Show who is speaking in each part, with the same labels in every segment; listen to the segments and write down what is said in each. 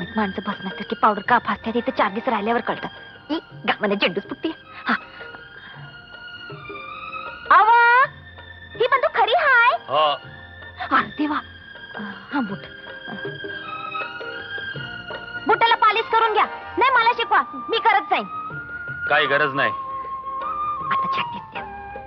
Speaker 1: गाडीत माणसं बसण्यासारखी पावडर का फासत्या तिथे 4 दिवस राहिल्यावर कळतं. गावाने झेंडूच फुटते. हा आवा ही बंदूक खरी हाय? अरे देवा. हा बूट बुटाला पालिश करून घ्या. नाही मला शिकवा, मी करत जाईन.
Speaker 2: काही गरज नाही.
Speaker 1: आता छातीत द्या.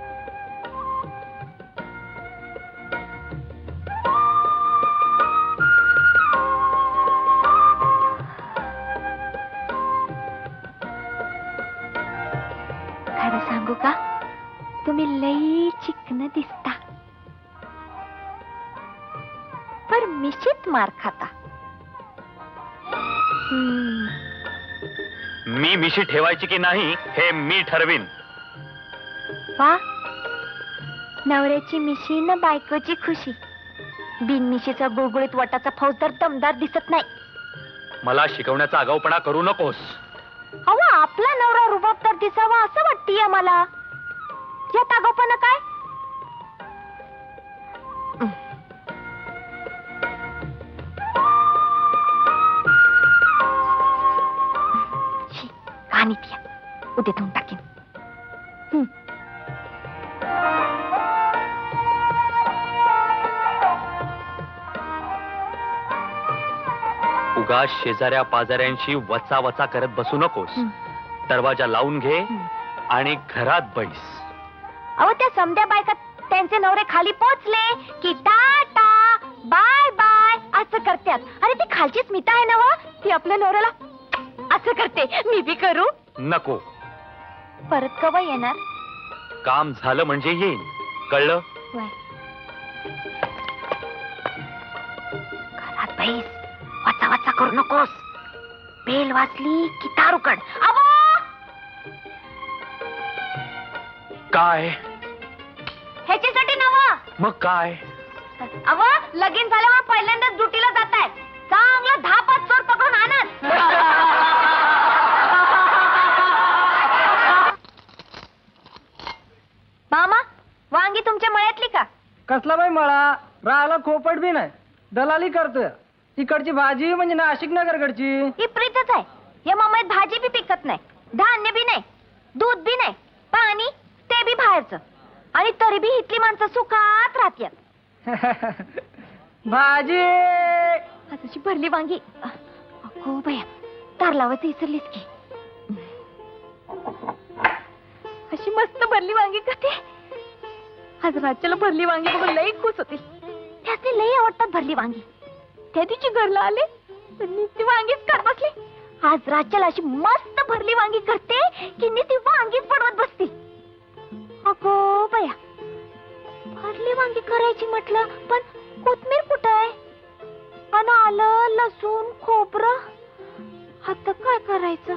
Speaker 1: खरं सांगू का, तुम्ही लई चिकन दिसता, पर मिशीत मार खाता.
Speaker 2: मी मिशी ठेवायची की नाही हे मी ठरवीन.
Speaker 1: वा, नवऱ्याची मिशी न बायकोची खुशी. बिनमिशीचा गुळगुळीत वटाचा फौजदार दमदार दिसत नाही.
Speaker 2: मला शिकवण्याचा आगाऊपणा करू नकोस.
Speaker 1: अहो, आपला नवरा रुबाबदार दिसावा असं वाटतीये मला. यात आगाऊपणा काय? कहाणी ती उद्या धुवून टाकीन.
Speaker 2: उगाच शेजाऱ्या पाजाऱ्यांशी वचा वचा करत बसू नकोस. दरवाजा लावून घे आणि घरात बैस.
Speaker 1: अहो, त्या समध्या बायका त्यांचे नवरे खाली पोचले की टाटा बाय बाय असं करतात. अरे ती खालची स्मिता आहे ना व, ती आपल्या नवऱ्याला असं करते. मी बी करू?
Speaker 2: नको.
Speaker 1: परत कवा येणार?
Speaker 2: काम झालं म्हणजे येईन, कळलं?
Speaker 1: घरात बैस, वाचा वाचा करू नकोस. बेल वाजली की तार उकड. अबो,
Speaker 2: काय?
Speaker 1: ह्याच्यासाठी नवा.
Speaker 2: मग काय?
Speaker 1: अव, लगीन झाल्यावर पहिल्यांदाच ड्युटीला जाताय. चांगलं 10-5 चोर पकडून आणत. मामा, वांगी तुमच्या मळ्यातली का?
Speaker 3: कसला बाई मळा, राहायला खोपट बी नाही, दलाली करतोय. इकडची भाजी म्हणजे नाशिक नगरकडची.
Speaker 1: ही प्रीतच आहे. या मामात भाजी बी पिकत नाही, धान्य बी नाही, दूध बी नाही, पाणी ते बी बाहेरचं. आणि तरी बी इथली माणसं सुखात राहत्यात.
Speaker 3: भाजी
Speaker 1: अशी भरली वांगी. अगो बया, तार लावायचं विसरलीस की. अशी मस्त भरली वांगी कधी. आज राज्याला भरली वांगी बघून लई खुश होती. त्याचे लई आवडतात भरली वांगी. त्या दिवशी घरला आले ती वांगीच कर बसली. आज राज्याला अशी मस्त भरली वांगी करते की ती वांगीच पडवत बसते. अगो बया, भरली वांगी करायची म्हटलं, पण कोथमीर कुठं आहे? आणि आलं लसूण खोबरं, आता काय करायचं?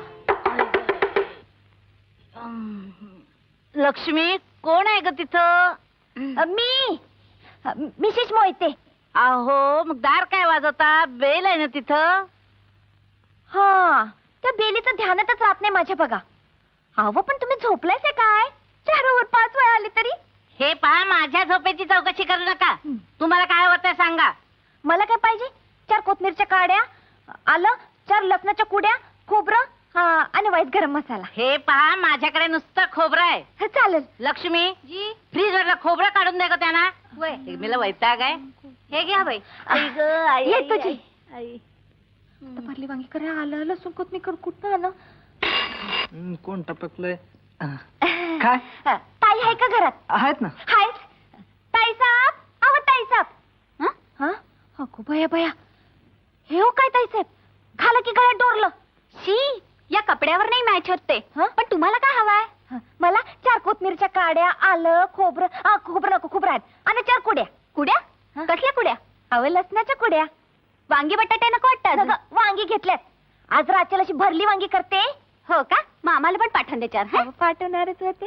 Speaker 4: लक्ष्मी, कोण आहे ग तिथं?
Speaker 1: मी मिसेस मोहिते.
Speaker 4: अहो, मग दार काय वाजवता? बेल आहे ना तिथं?
Speaker 1: हा, त्या बेलीचं ध्यानातच राहत नाही माझ्या बघा. अहो, पण तुम्ही झोपलायच काय? 4 वर 5 वेळा आली तरी.
Speaker 4: हे पहा, माझ्या झोपेची चौकशी करू नका. तुम्हाला काय होतंय सांगा.
Speaker 1: मला काय पाहिजे? 4 कोथमीरच्या काड्या, आलं, 4 लसणाच्या कुड्या, खोबरं आणि वाईट गरम मसाला.
Speaker 4: हे पहा, माझ्याकडे नुसतं खोबरं आहे.
Speaker 1: चालेल.
Speaker 4: लक्ष्मी, फ्रीज वरला खोबरं काढून दे ग त्यांना. मला वैताग आहे. हे घ्या बाई.
Speaker 1: येतो जी. भरली वांगी करे, आलं लसूण कोथमीर कुठं आलं?
Speaker 3: कोण टपकलंय? काय
Speaker 1: ताई आहे का घरात?
Speaker 3: आहेत ना.
Speaker 1: हाय ताई साहेब. अहो ताई साहेब. अगो बया बया, हे हो काय ताई साहेब, खाला की गळ्यात डोरलं. शी, या कपड्यावर नाही मॅच होत ते. पण तुम्हाला काय हवाय? मला 4 कोथमीरच्या काड्या, आलं खोबरं, खोबरं नको, खोबरं आहेत, आणि 4 कुड्या. कुड्या? कसल्या कुड्या? अहो, लसणाच्या कुड्या. वांगी बटाटे नको वाटतं? वांगी घेतल्यात. आज रात्रीला अशी भरली वांगी करते. हो का? मग आम्हाला पण पाठवून दे 4. पाठवणारच होते.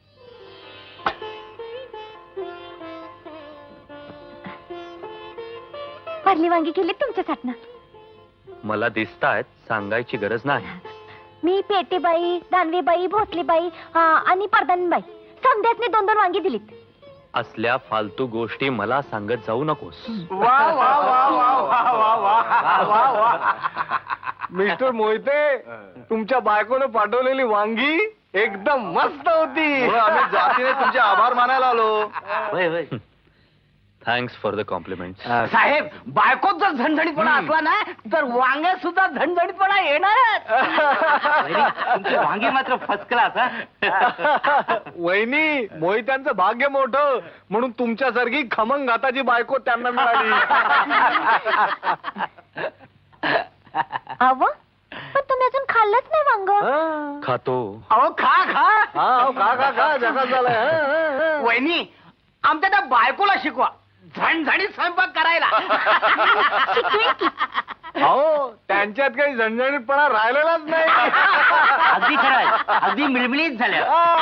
Speaker 1: भरली वांगी केली तुमच्यासाठी.
Speaker 2: मला दिसतायत, सांगायची गरज नाही.
Speaker 1: मी पेटीबाई, दानवीबाई, भोसलीबाई आणि परदानबाई समध्यासनी 2-2 वांगी दिलीत.
Speaker 2: असल्या फालतू गोष्टी मला सांगत जाऊ नकोस.
Speaker 3: वा वा वा वा वा वा वा वा वा.
Speaker 5: मिस्टर मोहिते, तुमच्या बायकोनं पाठवलेली वांगी एकदम मस्त होती. आम्ही जातीने तुमचे आभार मानायला आलो.
Speaker 2: Thanks for the compliment.
Speaker 3: साहेब, बायकोत जर झणझणीतपणा असला ना तर वांग्यात सुद्धा झणझणीतपणा येणारच.
Speaker 6: वांगी मात्र फर्स्ट क्लास.
Speaker 5: वहिनी, मोहित्यांचं भाग्य मोठं म्हणून तुमच्यासारखी खमंग घाताची बायको त्यांना मिळाली.
Speaker 1: अव पण तुम्ही अजून खाल्लंच नाही वांग.
Speaker 2: खातो.
Speaker 3: अहो खा खा.
Speaker 5: हा, खा खा खा, जगात झालंय.
Speaker 3: वहिनी, आमच्या त्या बायकोला शिकवा झणझणीत स्वयंपाक करायला.
Speaker 5: हो, त्यांच्यात काही झणझणीतपणा राहिलेलाच नाही.
Speaker 6: अगदी खरं, अगदी मिळमिळीत झाल्या.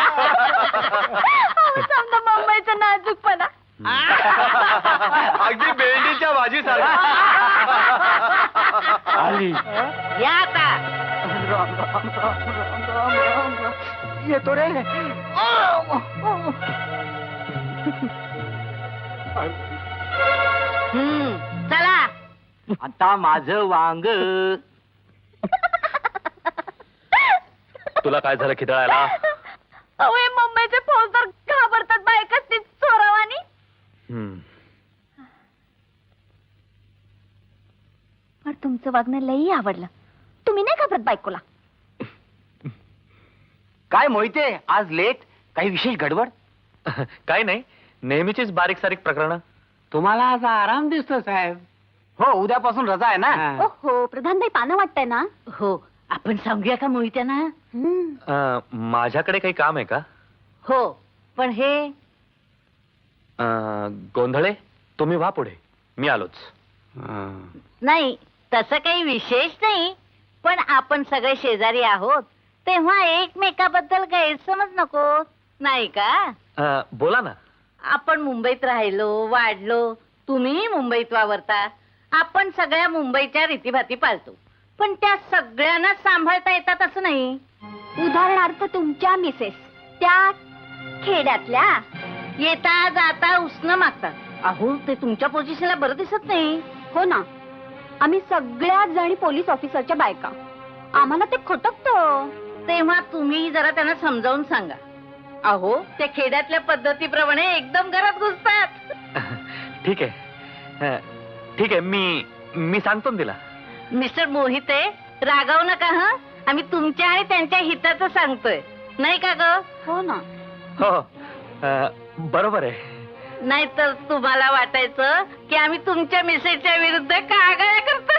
Speaker 1: समजा मुंबईचा नाजूकपणा.
Speaker 5: अगदी भेंडीच्या भाजीसारखा.
Speaker 2: आली.
Speaker 4: या आता.
Speaker 3: येतो रे.
Speaker 4: चला.
Speaker 6: आता माझं वांग.
Speaker 2: तुला काय झालं खिदळायला?
Speaker 1: अहो हे मुंबईचे फौजदार घाबरतात बायकाच ती चोरावानी. पण तुमचं वागणं लई आवडलं. तुम्ही नाही घाबरत बायकोला?
Speaker 6: काय मोहिते, आज लेट? काही विशेष गडबड?
Speaker 2: काय नाही, नेहमीचीच बारीक सारीक प्रकरण.
Speaker 6: तुम्हाला आज आराम दिसतो साहेब.
Speaker 3: हो, उद्यापासून रजा आहे ना.
Speaker 1: हो प्रधानबाई पानं वाटतंय ना.
Speaker 4: हो, आपण सांगूया का मोहित्यांना?
Speaker 2: माझ्याकडे काही काम आहे का?
Speaker 4: हो, पण हे
Speaker 2: गोंधळे, तुम्ही व्हा पुढे, मी आलोच.
Speaker 4: नाही, तसं काही विशेष नाही. पण आपण सगळे शेजारी आहोत तेव्हा एकमेकाबद्दल गैरसमज नको, नाही का?
Speaker 2: बोला ना.
Speaker 4: आपण मुंबईत राहिलो, वाढलो, तुम्ही मुंबईत वावरता. आपण सगळ्या मुंबईच्या रीतीभाती पाळतो, पण त्या सगळ्यांना सांभाळता येतात असं नाही.
Speaker 1: उदाहरणार्थ तुमच्या मिसेस त्या खेड्यातल्या
Speaker 4: येता जाता उसनं मागतात. अहो, ते तुमच्या पोझिशनला बरं दिसत नाही.
Speaker 1: हो ना, आम्ही सगळ्याच जणी पोलीस ऑफिसरच्या बायका. आम्हाला ते खटकतं.
Speaker 4: तेव्हा तुम्ही जरा त्यांना समजावून सांगा. अहो, त्या खेड्यातल्या पद्धतीप्रमाणे एकदम घरात घुसतात.
Speaker 2: ठीक आहे, ठीक आहे, मी सांगतो ना तिला.
Speaker 4: मिस्टर मोहिते, रागावू नका. हं, आम्ही तुमच्या आणि त्यांच्या हिताचं सांगतोय, नाही का ग?
Speaker 1: हो ना.
Speaker 2: हो, बरोबर आहे.
Speaker 4: नाहीतर तुम्हाला वाटायचं की आम्ही तुमच्या मिसेसच्या विरुद्ध कागाळ्या करतोय.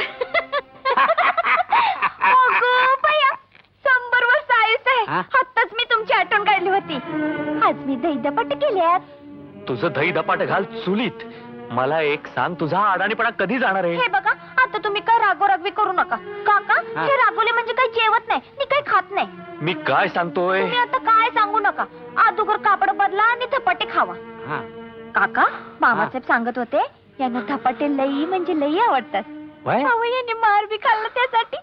Speaker 1: अगं बया, 100 वर्ष आयुष आहे. आत्ताच मी तुमची आठवण काढली होती. आज मी दहीदपाट केल्यात.
Speaker 2: तुझं दही धपाट घाल चुलीत. मला एक सांग, तुझा अडाणीपणा कधी जाणार आहे?
Speaker 1: हे बघा, आता तुम्ही काय रागोरागवी करू नका. काका, हे रागोले म्हणजे काही जेवत नाही, मी काही खात नाही.
Speaker 2: मी काय सांगतोय?
Speaker 1: तुम्ही आता काय सांगू नका. अगोदर कापड बदला आणि धपाटे खावा. काका, मामासाहेब सांगत होते यांना धपाटे लई म्हणजे लई आवडतात. अहो, यांनी मार बी खाल्ला त्यासाठी.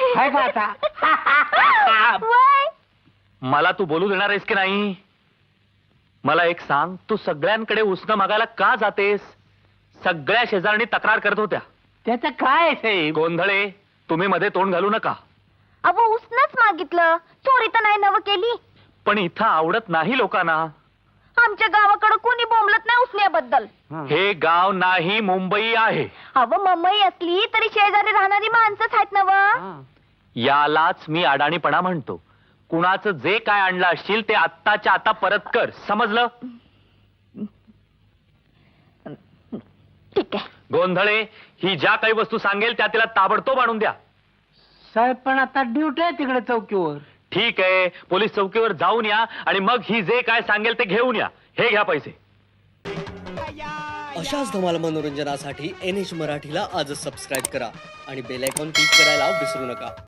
Speaker 1: वय.
Speaker 2: मला तू बोलू देणार आहेस की नाही? मला एक सांग, तू सगळ्यांकडे उसनं मागायला का जातेस? सगळ्या शेजारणी तक्रार करत होत्या.
Speaker 6: त्याचं काय साहेब?
Speaker 2: गोंधळे, तुम्ही मध्ये तोंड घालू नका.
Speaker 1: अहो, उसनच मागितलं, चोरी तर नाही नव केली.
Speaker 2: पण इथं आवडत नाही लोकांना.
Speaker 1: आमच्या गावाकडे कोणी बोंबलत नाही उसण्याबद्दल.
Speaker 2: हे गाव नाही, मुंबई आहे.
Speaker 1: अहो, मुंबई असली तरी शेजारी राहणारी माणसंच आहेत नव.
Speaker 2: यालाच मी अडाणीपणा म्हणतो. कुणाचं जे काय आणलं असशील ते आत्ताच्या आता परत कर, समजलं?
Speaker 1: ठीक आहे.
Speaker 2: गोंधळे, ही ज्या काही वस्तू सांगेल त्या तिला ताबडतोब आणून द्या.
Speaker 6: साहेब, पण आता ड्युटी आहे तिकडे चौकीवर.
Speaker 2: ठीक आहे, पोलीस चौकीवर जाऊन या आणि मग ही जे काय सांगेल ते घेऊन या. हे घ्या पैसे.
Speaker 7: अशाच धमाल मनोरंजनासाठी NH मराठीला आजच सबस्क्राईब करा आणि बेल आयकॉन क्लिक करायला विसरू नका.